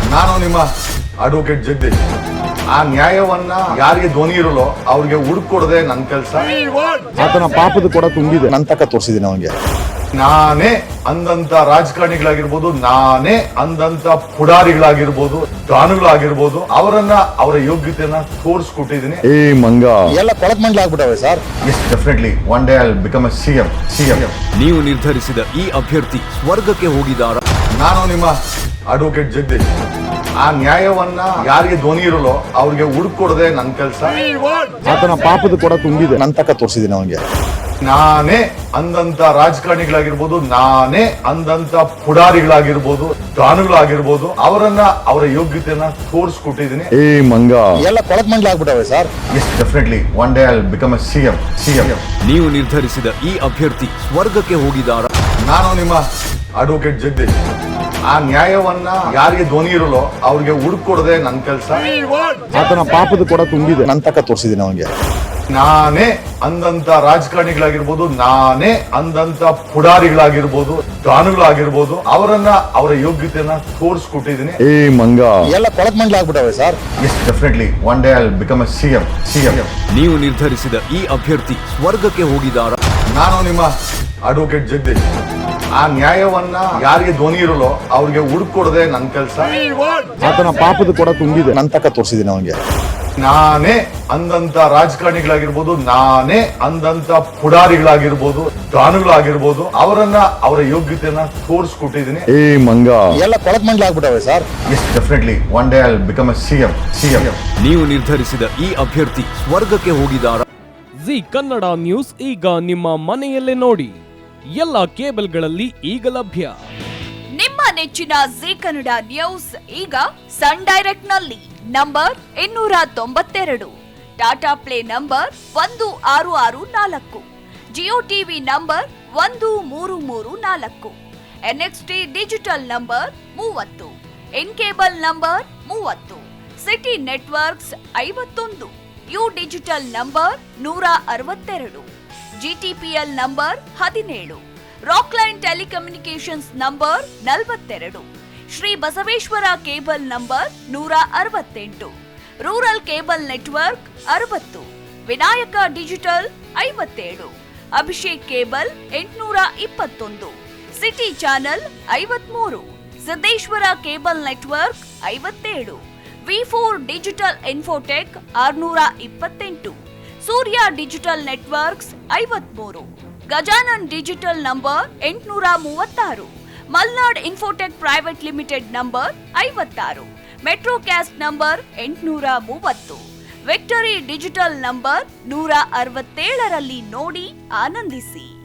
ನಾನು ನಿಮ್ಮ ಅಡ್ವೊಕೇಟ್ ಜಗದೀಶ್. ಆ ನ್ಯಾಯವನ್ನ ಯಾರಿಗೆ ಧ್ವನಿ ಇರಲ್ಲೋ ಅವ್ರಿಗೆ ಹುಡುಕೊಡದೆ ನನ್ನ ಕೆಲಸ. ಆತನ ಪಾಪದ ಕೂಡ ತುಂಬಿದೆ, ನನ್ನ ತಕ್ಕ ತೋರಿಸಿದ್ದೀನಿ ಅವನಿಗೆ. ನಾನೇ ಅಂದಂತ ರಾಜಕಾರಣಿಗಳಾಗಿರ್ಬೋದು, ನಾನೇ ಅಂದಂತ ಪುಡಾರಿಗಳಾಗಿರ್ಬೋದು, ದಾನುಗಳಾಗಿರ್ಬೋದು, ಅವರ ಯೋಗ್ಯತೆಯನ್ನ ತೋರಿಸ್ಕೊಟ್ಟಿದ್ದೀನಿ. ಏ ಮಂಗ ಎಲ್ಲ ಕೊಳಕ್ ಮಂಡ್ಲಾಗ್ಬಿಟ್ಟವೆ sir. Yes, definitely one day I will become a CM. ನೀವು ನಿರ್ಧರಿಸಿದ ಈ ಅಭ್ಯರ್ಥಿ ಸ್ವರ್ಗಕ್ಕೆ ಹೋಗಿದಾರ? ನಾನು ನಿಮ್ಮ ಅಡ್ವೊಕೇಟ್ ಜಗದೀಶ್. ಆ ನ್ಯಾಯವನ್ನ ಯಾರಿಗೆ ಧ್ವನಿ ಇರಲ್ಲೋ ಅವ್ರಿಗೆ ಹುಡುಕೊಡದೆ ನನ್ನ ಕೆಲಸ. ಆತನ ಪಾಪದ ಕೂಡ ತುಂಬಿದೆ, ನನ್ನ ತಕ್ಕ ತೋರಿಸಿದ್ದೀನಿ ಅವನಿಗೆ. ನಾನೇ ಅಂದಂತ ರಾಜಕಾರಣಿಗಳಾಗಿರ್ಬೋದು, ನಾನೇ ಅಂದಂತ ಪುಡಾರಿಗಳಾಗಿರ್ಬೋದು, ದಾನುಗಳಾಗಿರ್ಬೋದು, ಅವರ ಯೋಗ್ಯತೆಯನ್ನ ತೋರಿಸ್ಕೊಟ್ಟಿದ್ದೀನಿ. ಏ ಮಂಗ ಎಲ್ಲ ಕೊಳಕ್ ಮಂಡ್ಲಾಗ್ಬಿಟ್ಟವೆ sir. Yes, definitely one day I will become a CM. ನೀವು ನಿರ್ಧರಿಸಿದ ಈ ಅಭ್ಯರ್ಥಿ ಸ್ವರ್ಗಕ್ಕೆ ಹೋಗಿದಾರ? ನಾನು ನಿಮ್ಮ ಅಡ್ವೊಕೇಟ್ ಜಗದೀಶ್. ಆ ನ್ಯಾಯವನ್ನ ಯಾರಿಗೆ ಧ್ವನಿ ಇರಲ್ಲೋ ಅವ್ರಿಗೆ ಹುಡುಕೊಡದೆ ನನ್ನ ಕೆಲಸ. ಆತನ ಪಾಪದ ಕೂಡ ತುಂಬಿದೆ, ನನ್ನ ತಕ್ಕ ತೋರಿಸಿದ್ದೀನಿ ಅವನಿಗೆ. ನಾನೇ ಅಂದಂತ ರಾಜಕಾರಣಿಗಳಾಗಿರ್ಬೋದು, ನಾನೇ ಅಂದಂತ ಪುಡಾರಿಗಳಾಗಿರ್ಬೋದು, ದಾನುಗಳಾಗಿರ್ಬೋದು, ಅವರ ಯೋಗ್ಯತೆಯನ್ನ ತೋರಿಸ್ಕೊಟ್ಟಿದ್ದೀನಿ. ಏ ಮಂಗ ಎಲ್ಲ ಕೊಳಕ್ ಮಂಡ್ಲಾಗ್ಬಿಟ್ಟವೆ sir. Yes, definitely one day I will become a CM. ನೀವು ನಿರ್ಧರಿಸಿದ ಈ ಅಭ್ಯರ್ಥಿ ಸ್ವರ್ಗಕ್ಕೆ ಹೋಗಿದಾರ? ನಾನು ನಿಮ್ಮ ಅಡ್ವೊಕೇಟ್ ಜಗದೀಶ್. ಆ ನ್ಯಾಯವನ್ನ ಯಾರಿಗೆ ಧ್ವನಿ ಇರಲ್ಲೋ ಅವ್ರಿಗೆ ಹುಡುಕೊಡದೆ ನನ್ನ ಕೆಲಸ. ಆತನ ಪಾಪದ ಕೂಡ ತುಂಬಿದೆ, ನನ್ನ ತಕ್ಕ ತೋರಿಸಿದ್ದೀನಿ ಅವನಿಗೆ. ನಾನೇ ಅಂದಂತ ರಾಜಕಾರಣಿಗಳಾಗಿರ್ಬೋದು, ನಾನೇ ಅಂದಂತ ಪುಡಾರಿಗಳಾಗಿರ್ಬೋದು, ದಾನುಗಳಾಗಿರ್ಬೋದು, ಅವರ ಯೋಗ್ಯತೆಯನ್ನ ತೋರಿಸ್ಕೊಟ್ಟಿದ್ದೀನಿ. ಏ ಮಂಗ ಎಲ್ಲ ಕೊಳಕ್ ಮಂಡ್ಲಾಗ್ಬಿಟ್ಟವೆ sir. Yes, definitely one day I will become a CM. ನೀವು ನಿರ್ಧರಿಸಿದ ಈ ಅಭ್ಯರ್ಥಿ ಸ್ವರ್ಗಕ್ಕೆ ಹೋಗಿದಾರ? ಜಿ ಕನ್ನಡ ನ್ಯೂಸ್ ಈಗ ನಿಮ್ಮ ಮನೆಯಲ್ಲೇ ನೋಡಿ. ಎಲ್ಲ ಕೇಬಲ್ಗಳಲ್ಲಿ ಈಗ ಲಭ್ಯ. ನಿಮ್ಮ ನೆಚ್ಚಿನ ಜಿ ಕನ್ನಡ ನ್ಯೂಸ್ ಈಗ ಸನ್ ಡೈರೆಕ್ಟ್ ನಲ್ಲಿ number 292, Tata Play number 1664, Jio TV number 1334, NXT digital number 30, in cable number 30, city networks 51, U digital number 162, GTPL number 17, Rockline telecommunications number 42, Shri Basaveshwara cable number 168, rural cable network 60, Vinayaka digital 57, Abhishek cable 821, city channel 53, Siddeshwara cable network 57, V4 digital infotech 628, Surya digital networks 53, Gajanan digital number 836, Malnad infotech private limited number 56, Metrocast number 830, victory digital number 167ರಲ್ಲಿ ನೋಡಿ ಆನಂದಿಸಿ.